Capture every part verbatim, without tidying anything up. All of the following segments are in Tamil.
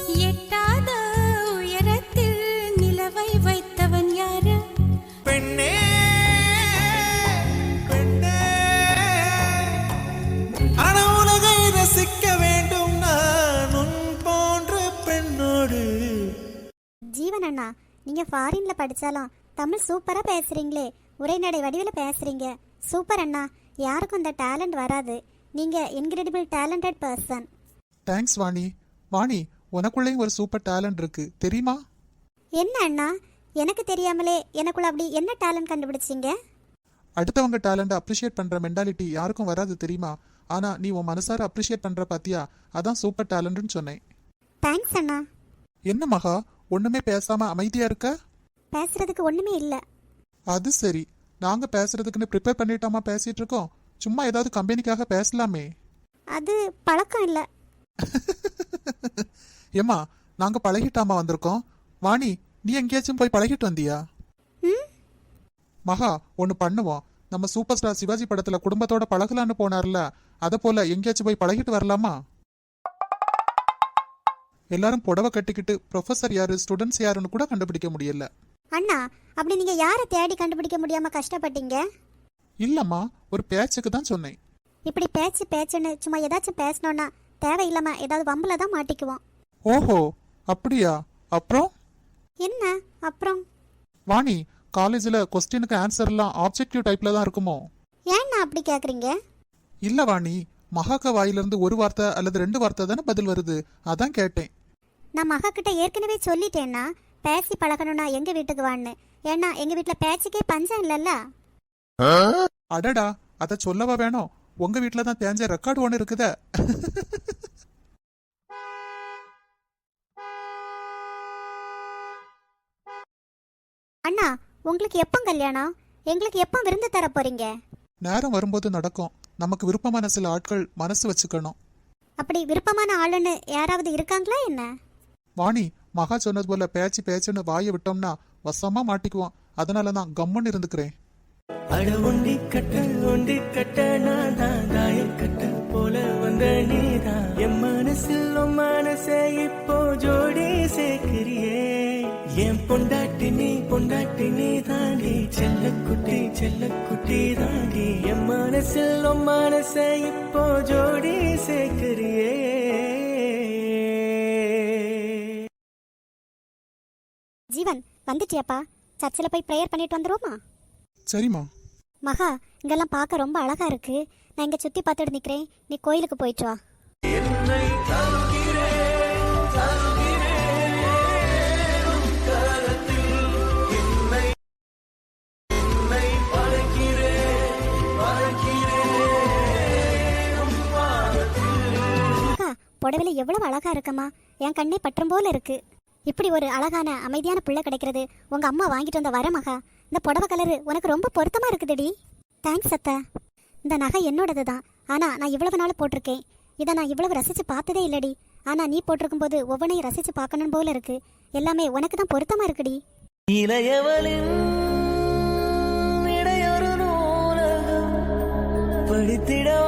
எட்டாத உயரத்தில் நிலவை வைத்தவன் யாரு? பெண்ணே பெண்ணே, ஆனா உலகை ரசிக்க வேண்டும் நான் உன் போன்ற பெண்ணோடு. ஜீவன் அண்ணா, நீங்க ஃபாரின்ல படிச்சாலும் தமிழ் சூப்பரா பேசுறீங்களே, உரைநடை வடிவில் பேசுறீங்க. சூப்பர் அண்ணா, யாருக்கும் இந்த டேலண்ட் வராது. நீங்க incredible talented person. Thanks Vani. Vani, உனக்குள்ளேயும் ஒரு சூப்பர் டேலண்ட் இருக்கு தெரியுமா? என்ன அண்ணா, எனக்கு தெரியாமலே எனக்குள்ள அப்படி என்ன டேலண்ட் கண்டுபிடிச்சிங்க? அடுத்தவங்க டேலண்ட் அப்ரிஷியேட் பண்ற மென்டாலிட்டி யாருக்கும் வராது தெரியுமா? ஆனா நீ உன் மனசார அப்ரிஷியேட் பண்ற பாத்தியா, அதான் சூப்பர் டேலண்ட்னு சொன்னேன். தேங்க்ஸ் அண்ணா. என்ன மகா, ஒண்ணுமே பேசாம அமைதியா இருக்க? பேசுறதுக்கு ஒண்ணுமே இல்ல. அது சரி, நாங்க பேசுறதுக்குன்னு ப்ரிப்பேர் பண்ணிட்டாமா பேசிட்டு இருக்கோம். சும்மா ஏதாவது கம்பெனிக்காக பேசலாமே. அது பழக்கம் இல்ல. ஏமா, நாங்க பழகிட்டாமா வந்திருக்கோம். வாணி, நீ எங்கேயாச்சும் போய் பழகிட்டு வந்தியா? மகா, ஒன்னு பண்ணுவோம். நம்ம சூப்பர் ஸ்டார் சிவாஜி படத்துல குடும்பத்தோட பழகலான்னு போனார்ல, அத போல எங்கேயாச்சும் போய் பழகிட்டு வரலாமா? எல்லாரும் புடவை கட்டிக்கிட்டு ப்ரொஃபசர் யாரு ஸ்டூடெண்ட்ஸ் யாருன்னு கூட கண்டுபிடிக்க முடியல. அண்ணா, அப்படி நீங்க யாரை தேடி கண்டுபிடிக்க முடியாம கஷ்டப்பட்டீங்க? இல்லம்மா, ஒரு பேச்சுக்கு தான் சொன்னேன். இப்படி பேச்சு பேச்சுன்னு சும்மா ஏதாச்சும் பேசணும்னா தேவையில்லாம ஏதாவது வம்புல தான் மாட்டிக்குவோம். ஓஹோ, அப்படியா? அப்புறம் என்ன அப்புறம்? வாணி, காலேஜ்ல கொஸ்டினுக்கு ஆன்சர் எல்லாம் ஆப்ஜெக்டிவ் டைப்ல தான் இருக்குமோ? ஏன்னா அப்படி கேக்குறீங்க? இல்ல வாணி, மகாக்க வாயிலிருந்து ஒரு வார்த்தை அல்லது ரெண்டு வார்த்தை தானே பதில் வருது, அதான் கேட்டேன். நான் மகா கிட்ட ஏற்கனவே சொல்லிட்டேன்னா பேசி பழகணும்னா எங்க வீட்டுக்கு வான்னு. ஏன்னா எங்க வீட்டுல பேச்சுக்கே பஞ்சம் இல்லல்ல. அடடா, அத சொல்லவா வேணும்? உங்க வீட்டுல தான் தேஞ்ச ரெக்கார்டு ஒண்ணு இருக்குதே. அண்ணா, உங்களுக்கு எப்போ கல்யாணம்? எங்களுக்கு எப்போ விருந்து தர போறீங்க? நேரம் வரும்போது நடக்கும். நமக்கு விருப்பமான சில ஆட்கள் மனசு வச்சுக்கணும். அப்படி விருப்பமான ஆளுன்னு யாராவது இருக்காங்களா என்ன? வாணி, மகா சொன்னது போல பேச்சு பேச்சுன்னு வாயை விட்டோம்னா வசமா மாட்டிக்குவோம். அதனாலதான் கம்முன்னு இருந்துக்கிறேன். அட ஒண்டி கட்ட ஒண்டி கட்ட நான் தான் தாய கட்ட போல வந்த நீதான் என் மனசில் மனசே இப்போ ஜோடி சேர்க்கிறியே. என் பொண்டாட்டி நீ பொண்டாட்டி நீ தாண்டி செல்ல குட்டி செல்ல குட்டி தாண்டி என் மனசில் மனசே இப்போ ஜோடி சேர்க்கிறியே. ஜீவன், வந்துட்டியாப்பா? சர்ச்சில் போய் ப்ரேயர் பண்ணிட்டு வந்துருவோமா? சரிம்மா. மகா, இங்கெல்லாம் பார்க்க ரொம்ப அழகா இருக்கு. நான் இங்க சுத்தி பார்த்துட்டு நிக்கிறேன், நீ கோயிலுக்கு போயிட்டு வா. மகா, புடவையில எவ்வளவு அழகா இருக்கம்மா, என் கண்ணே பற்றும் போல இருக்கு. இப்படி ஒரு அழகான அமைதியான பிள்ளை கிடைக்கிறது உங்க அம்மா வாங்கிட்டு வந்த வர மகா. இந்த புடவை கலரு உனக்கு ரொம்ப பொருத்தமா இருக்குதுடி. தேங்க்ஸ் அத்தை. இந்த நகை என்னோடது தான், ஆனா நான் இவ்வளவு நாள் போட்டிருக்கேன். இதை நான் இவ்வளவு ரசிச்சு பார்த்ததே இல்லடி. ஆனா நீ போட்டிருக்கும் போது ஒவ்வொன்றையும் ரசிச்சு பார்க்கணும் போல இருக்கு. எல்லாமே உனக்கு தான் பொருத்தமா இருக்குடி. இளையவளின் இடையொரு நூலகம் படித்திடவா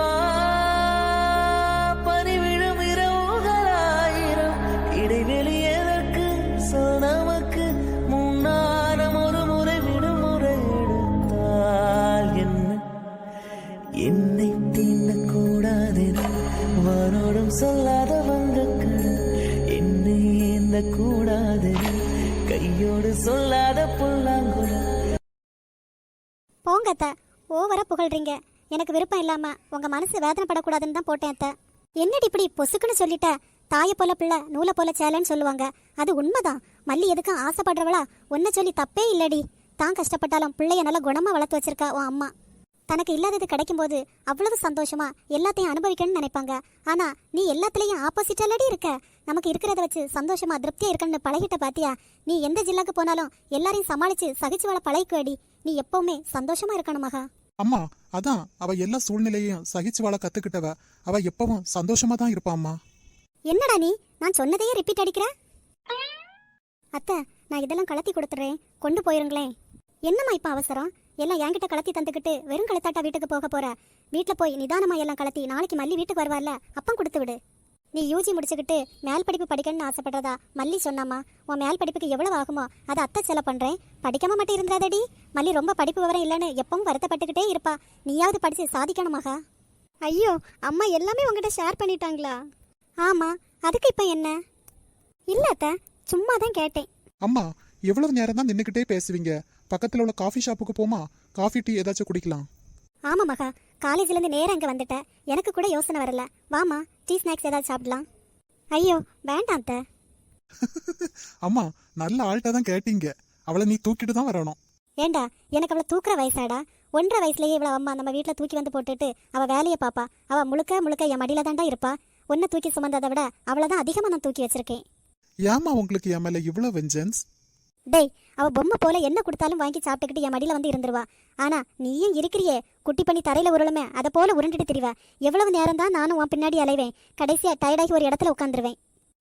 பனிவிழும் இரவுகளாயிரம் இடைவெளி எதற்கு சொல் நமக்கு முன்னாரம் ஒரு முறை விடுமுறை எடுத்தால் என்ன என்னை தீண்டக்கூடாது வானோடும் சொல்லாத வங்கக்கள் என்னை ஏந்த கூடாது கையோடு சொல்லாத புல்லாங்குழல். போங்க அத்தை, ஓவரா புகழ்றீங்க. எனக்கு விருப்பம் இல்லாம உங்க மனசு வேதனைப்படக்கூடாதுன்னு தான் போட்டேன் அத்தை. என்னடி இப்படி பொசுக்குன்னு சொல்லிட்ட? தாயை போல பிள்ளை நூலை போல சேலன்னு சொல்லுவாங்க. அது உண்மைதான். மல்லி எதுக்கும் ஆசைப்படுறவளா? ஒன்ன சொல்லி தப்பே இல்லடி. தான் கஷ்டப்பட்டாலும் பிள்ளைய நல்லா குணமா வளர்த்து வச்சிருக்கா உன் அம்மா. தனக்கு இல்லாதது கிடைக்கும் போது அவ்வளவு சந்தோஷமா எல்லாத்தையும் அனுபவிக்கணும்னு நினைப்பாங்க. ஆனா நீ எல்லாத்துலயும் ஆப்போசிட்டாலடி இருக்க. நமக்கு இருக்கிறத வச்சு சந்தோஷமா திருப்தியா இருக்கணும்னு பழகிட்ட பாத்தியா? நீ எந்த ஜில்லாக்கு போனாலும் எல்லாரையும் சமாளிச்சு சகிச்சு வாழ பழகிக்குவடி. நீ எப்பவுமே சந்தோஷமா இருக்கணும் மகா. அம்மா, அதான் அவ எல்லா சூழ்நிலையும் சகிச்சு வாழ கத்துக்கிட்டவ. அவ எப்பவும் சந்தோஷமா தான் இருப்பாம்மா. என்னடா நீ நான் சொன்னதையே ரிப்பீட் அடிக்கிற? அத்தை, நான் இதெல்லாம் கலத்தி கொடுத்துறேன், கொண்டு போயிருங்களேன். என்னம்மா இப்ப அவசரம்? எல்லாம் என்கிட்ட கலத்தி தந்துக்கிட்டு வெறும் கழுத்தாட்டா வீட்டுக்கு போக போற? வீட்டுல போய் நிதானமா எல்லாம் கலத்தி நாளைக்கு மல்லி வீட்டுக்கு வருவார்ல, அப்பம் கொடுத்து விடு. நீ யூஜி முடிச்சுக்கிட்டு மேல் படிப்பு படிக்கணும்னு ஆசைப்படுறதா மல்லி சொன்னாமா. உன் மேல் படிப்புக்கு எவ்வளவு ஆகுமோ அதை அத்தை செலவு பண்றேன். படிக்காம மட்டும் இருந்துடாதடி. மல்லி ரொம்ப படிப்பு விவரம் இல்லைன்னு எப்பவும் வருத்தப்பட்டுக்கிட்டே இருப்பா. நீயாவது படிச்சு சாதிக்கணுமாகா. ஐயோ, அம்மா எல்லாமே உங்ககிட்ட ஷேர் பண்ணிட்டாங்களா? ஆமா, அதுக்கு இப்போ என்ன? இல்ல அத்தை, சும்மா தான் கேட்டேன். அம்மா எவ்வளவு நேரம் தான் நின்றுக்கிட்டே பேசுவீங்க? பக்கத்துல உள்ள காஃபி ஷாப்புக்கு போமா, காஃபி டீ ஏதாச்சும் குடிக்கலாம். ஆமா மகா, காலேஜ்லேருந்து நேரம் அங்கே வந்துட்டேன். எனக்கு கூட யோசனை வரல. வாமா, டீ ஸ்நாக்ஸ் ஏதாவது சாப்பிடலாம். ஐயோ வேண்டாம் அத்தை. அம்மா நல்ல ஆள்கிட்ட தான் கேட்டீங்க. அவளை நீ தூக்கிட்டு தான் வரணும். ஏண்டா, எனக்கு அவளை தூக்குற வயசாடா? ஒன்றரை வயசுலயே இவ்வளோ அம்மா நம்ம வீட்டில் தூக்கி வந்து போட்டுட்டு அவள் வேலையை பாப்பா. அவள் முழுக்க முழுக்க என் மடியில தாண்டா இருப்பா. ஒன்றை தூக்கி சுமந்ததை விட அவளை தான் அதிகமாக நான் தூக்கி வச்சிருக்கேன். ஏமா உங்களுக்கு என் மேல இவ்வளோ வெஞ்சன்ஸ்? டேய், அவள் பொம்மை போல என்ன கொடுத்தாலும் வாங்கி சாப்பிட்டுக்கிட்டு என் மடியில் வந்து இருந்துருவா. ஆனா நீயும் இருக்கிறியே, குட்டி பண்ணி தரையில உருளுமே அதை போல உருண்டுட்டு திரிவா. எவ்வளவு நேரம் தான் நானும் உன் பின்னாடி அலைவேன். கடைசியா டயர்டாகி ஒரு இடத்துல உட்காந்துருவேன்.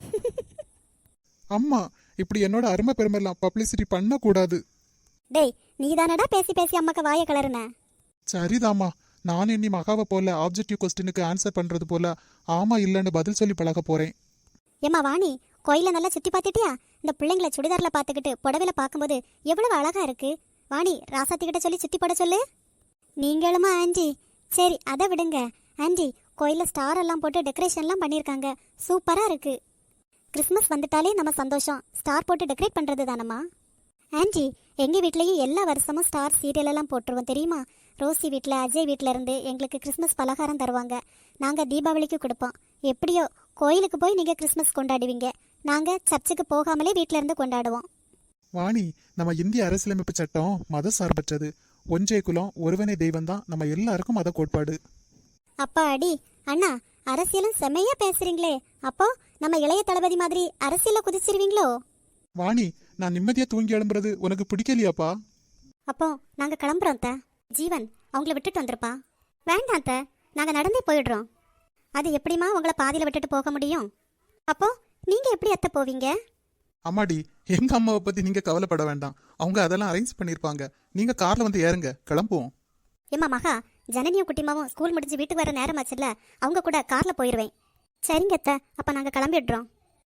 அம்மா இப்படி என்னோட அருமை பெருமைலாம் பப்ளிசிட்டி பண்ணக்கூடாது. டேய், நீ தானடா பேசி பேசி அம்மாக்கு வாய கலருன. சரிதாம்மா, நான் இனி மகாவை போல ஆப்ஜெக்டிவ் கொஸ்டினுக்கு ஆன்சர் பண்றது போல ஆமா இல்லைன்னு பதில் சொல்லி பழக போறேன். ஏம்மா வாணி, கோயில நல்லா சுத்தி பார்த்துட்டியா? இந்த பிள்ளைங்களை சுடிதாரில் பார்த்துக்கிட்டு புடவையில பார்க்கும்போது எவ்வளவு அழகா இருக்கு. வாணி, ராசாத்திக்கிட்ட சொல்லி சுத்தி போட சொல்லு. நீங்களுமா ஆண்டி? சரி அதை விடுங்க ஆண்டி. கோயிலில் ஸ்டார் எல்லாம் போட்டு டெக்கரேஷன்லாம் பண்ணியிருக்காங்க, சூப்பரா இருக்கு. கிறிஸ்மஸ் வந்துட்டாலே நம்ம சந்தோஷம் ஸ்டார் போட்டு டெக்கரேட் பண்றது தானம்மா. ஆண்டி, எங்கள் வீட்லேயும் எல்லா வருஷமும் ஸ்டார் சீரியல் எல்லாம் போட்டுருவோம் தெரியுமா? ரோசி வீட்டில், அஜய் வீட்டில் இருந்து எங்களுக்கு கிறிஸ்மஸ் பலகாரம் தருவாங்க. நாங்கள் தீபாவளிக்கு கொடுப்போம். எப்படியோ கோயிலுக்கு போய் நீங்கள் கிறிஸ்மஸ் கொண்டாடுவீங்க, நாங்கள் சர்ச்சுக்கு போகாமலே வீட்டில இருந்து கொண்டாடுவோம். வாணி, நம்ம இந்திய அரசியலமைப்பு சட்டம் மத சார்பற்றது. ஒன்றே குலம் ஒருவனே தெய்வம் தான் நம்ம எல்லாருக்கும் மத கோட்பாடு. அப்பா அடி அண்ணா, அரசியலும் செம்மையா பேசுறீங்களே. அப்போ நம்ம இளைய தளபதி மாதிரி அரசியல குதிச்சிருவீங்களோ? வாணி, நான் நிம்மதியா தூங்கி எழும்புறது உனக்கு பிடிக்கலையாப்பா? அப்போ நாங்க கிளம்புறோம் த. ஜீவன் அவங்கள விட்டுட்டு வந்திருப்பா. வேண்டாம் த, நாங்க நடந்தே போயிடுறோம். அது எப்படிமா உங்களை பாதியில விட்டுட்டு போக முடியும்? அப்போ நீங்க எப்படி அத்தை போவீங்க? அம்மாடி, எங்க அம்மாவை பத்தி நீங்க கவலைப்பட வேண்டாம். அவங்க அதெல்லாம் அரேஞ்ச் பண்ணிருப்பாங்க. நீங்க கார்ல வந்து ஏறுங்க, கிளம்புவோம். ஏம்மா மகா, ஜனனியும் குட்டிமாவும் ஸ்கூல் முடிஞ்சு வீட்டுக்கு வர நேரம் ஆச்சுல்ல, அவங்க கூட கார்ல போயிடுவேன். சரிங்க அத்தை, அப்ப நாங்க கிளம்பிடுறோம்.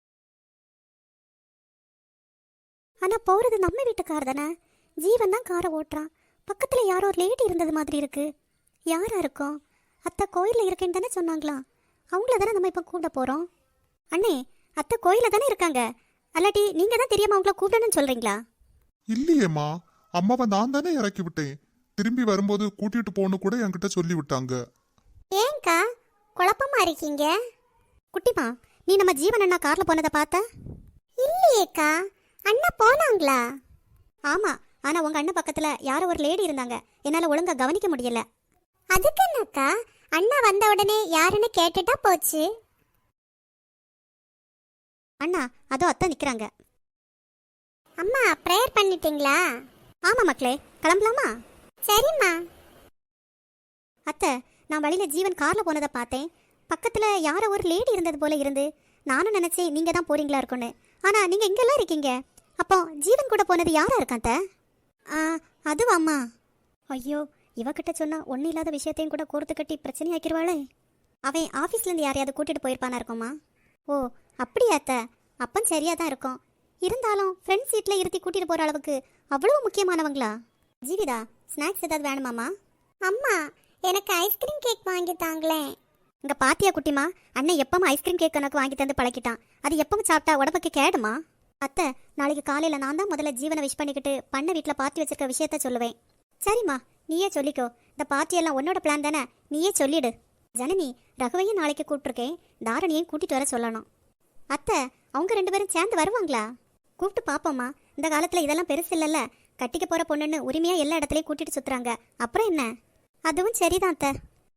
ஆனா போறது நம்ம வீட்டு கார் தானே. ஜீவன் தான் காரை ஓட்டுறான். பக்கத்துல யாரோ ஒரு லேடி இருந்தது மாதிரி இருக்கு. யாரா இருக்கும்? அத்தை கோயில்ல இருக்கேன்னு தானே சொன்னாங்களா? அவங்கள தானே நம்ம இப்ப கூப்பிட போறோம். அண்ணே, அத்தை கோயில தானே இருக்காங்க. அல்லாட்டி நீங்க தான் தெரியாம அவங்கள கூப்பிடணும்னு சொல்றீங்களா? இல்லையேம்மா, அம்மாவை நான் தானே இறக்கி விட்டேன். திரும்பி வரும்போது கூட்டிட்டு போன்னு கூட என்கிட்ட சொல்லி விட்டாங்க. ஏங்கா குழப்பமா இருக்கீங்க? குட்டிமா, நீ நம்ம ஜீவன் அண்ணா கார்ல போனதை பார்த்த? இல்லையேக்கா, அண்ணா போனாங்களா? ஆமா, ஆனா உங்க அண்ணன் பக்கத்துல யாரோ ஒரு லேடி இருந்தாங்க, என்னால ஒழுங்கா கவனிக்க முடியல. அதுக்கு என்னக்கா, அண்ணா வந்த உடனே யாருன்னு கேட்டுட்டா போச்சு. அண்ணா அதோ அத்தை நிக்கிறாங்க. அம்மா ப்ரேயர் பண்ணிட்டீங்களா? ஆமா மக்களே, கிளம்பலாமா? சரிம்மா. அத்தை, நான் வழியில ஜீவன் கார்ல போனதை பார்த்தேன். பக்கத்துல யாரோ ஒரு லேடி இருந்தது போல இருந்து நானும் நினைச்சேன் நீங்க தான் போறீங்களா இருக்குன்னு. ஆனா நீங்க எங்கெல்லாம் இருக்கீங்க? அப்போ ஜீவன் கூட போனது யாரா இருக்கான் அத்தை? ஆ, அதுவாம்மா. ஐயோ, இவகிட்ட சொன்னா ஒன்னும் இல்லாத விஷயத்தையும் கூட கோர்த்து கட்டி பிரச்சனை ஆக்கிடுவாளே. அவன் ஆஃபீஸ்ல இருந்து யாரையாவது கூட்டிட்டு போயிருப்பானா இருக்குமா? ஓ அப்படியா அத்தை? அப்பன் சரியா தான் இருக்கும். இருந்தாலும் ஃப்ரெண்ட் சீட்ல இருத்தி கூட்டிட்டு போற அளவுக்கு அவ்வளவு முக்கியமானவங்களா? ஜீவிதா, ஸ்நாக்ஸ் ஏதாவது வேணுமாமா? அம்மா, எனக்கு ஐஸ்கிரீம் கேக் வாங்கி தாங்களேன். இங்க பாத்தியா குட்டிமா, அண்ணன் எப்பவும் ஐஸ்கிரீம் கேக் எனக்கு வாங்கி தந்து பழக்கிட்டான். அது எப்பவும் சாப்பிட்டா உடம்புக்கு கேடுமா? அத்தை, நாளைக்கு காலையில நான் தான் முதல்ல ஜீவனை விஷ் பண்ணிக்கிட்டு பண்ண வீட்டில் பார்ட்டி வச்சிருக்க விஷயத்த சொல்லுவேன். சரிம்மா, நீயே சொல்லிக்கோ. இந்த பார்ட்டி எல்லாம் உன்னோட பிளான் தானே, நீயே சொல்லிடு. ஜனனி, ரகுவையும் நாளைக்கு கூப்பிட்டுருக்கேன், தாரணியையும் கூட்டிட்டு வர சொல்லணும். அத்தை, அவங்க ரெண்டு பேரும் சேர்ந்து வருவாங்களா? கூப்பிட்டு பாப்போம்மா. இந்த காலத்துல இதெல்லாம் பெருசு இல்லைல்ல, கட்டிக்க போற பொண்ணுன்னு உரிமையா எல்லா இடத்துலயும் கூட்டிட்டு சுத்துறாங்க. அப்புறம் என்ன? அதுவும் சரிதான் அத்தை.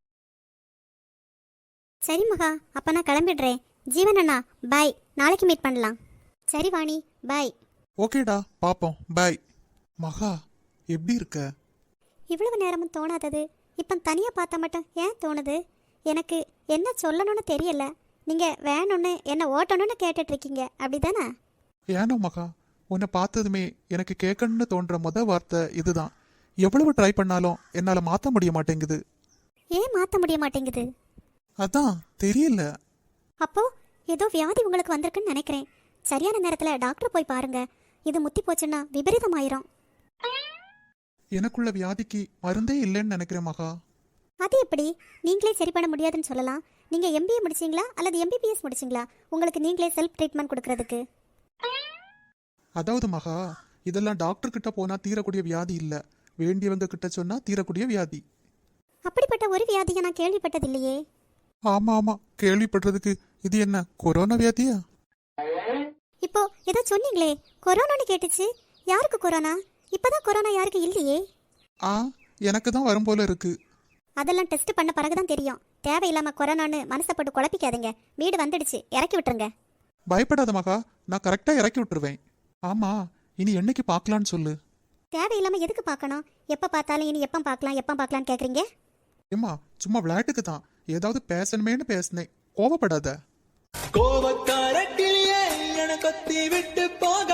சரி மகா, அப்ப நான் கிளம்பிடுறேன். ஜீவன் அண்ணா பாய், நாளைக்கு மீட் பண்ணலாம். சரி வாணி, பாய். ஓகேடா, பாப்போம், பாய். மகா, எப்படி இருக்க? இவ்வளவு நேரமும் தோணாதது இப்போ தனியா பார்த்தா மட்டும் ஏன் தோணுது? எனக்கு என்ன சொல்லணும்னு தெரியல. நீங்க வேணும்னு என்ன ஓட்டணும்னு கேட்டுட்டு இருக்கீங்க, அப்படிதானே? ஏனோ மகா, உன்னை பார்த்ததுமே எனக்கு கேட்கணும்னு தோன்ற முத வார்த்தை இதுதான். எவ்வளவு ட்ரை பண்ணாலும் என்னால மாத்த முடிய மாட்டேங்குது. ஏன் மாத்த முடிய மாட்டேங்குது? அதான் தெரியல. அப்போ ஏதோ வியாதி உங்களுக்கு வந்திருக்குன்னு நினைக்கிறேன். சரியான நேரத்தில் டாக்டர் போய் பாருங்க. இது முத்தி போச்சுன்னா விபரீதமாயிரும். எனக்குள்ள வியாதிக்கு மருந்தே இல்லைன்னு நினைக்கிறேன் மகா. அது எப்படி நீங்களே சரி பண்ண முடியாதுன்னு சொல்லலாம்? நீங்கள் எம்பிஏ முடிச்சிங்களா அல்லது எம்பிபிஎஸ் முடிச்சிங்களா உங்களுக்கு நீங்களே செல்ஃப் ட்ரீட்மெண்ட் கொடுக்கறதுக்கு? அதாவது மகா, இதெல்லாம் டாக்டர் கிட்ட போனா தீரக்கூடிய வியாதி இல்ல, வேண்டியவங்க கிட்ட சொன்னா தீரக்கூடிய வியாதி. அப்படிப்பட்ட ஒரு வியாதியை நான் கேள்விப்பட்டதில்லையே. ஆமா ஆமா, கேள்விப்படுறதுக்கு இது என்ன கொரோனா வியாதியா? இப்போ ஏதோ சொன்னீங்களே கொரோனான்னு கேட்டுச்சு. யாருக்கு கொரோனா? இப்பதான் கொரோனா யாருக்கு இல்லையே. ஆ, எனக்கு தான் வரும் போல இருக்கு. அதெல்லாம் டெஸ்ட் பண்ண பிறகுதான் தெரியும். தேவையில்லாம கொரோனான்னு மனசை போட்டு குழப்பிக்காதீங்க. வீடு வந்துடுச்சு, இறக்கி விட்டுருங்க. பயப்படாத மகா, நான் கரெக்டா இறக்கி விட்டுருவேன். ஆமா, இனி என்னைக்கு பார்க்கலான்னு சொல்லு. தேவையில்லாம எதுக்கு பார்க்கணும்? எப்ப பார்த்தாலும் இனி எப்ப பார்க்கலாம் எப்ப பார்க்கலான்னு கேக்குறீங்க? ஏம்மா, சும்மா விளையாட்டுக்கு தான் ஏதாவது பேசணுமேனு பேசினேன், கோவப்படாத. கோபக்கார கிளியே என கொத்தி விட்டு போக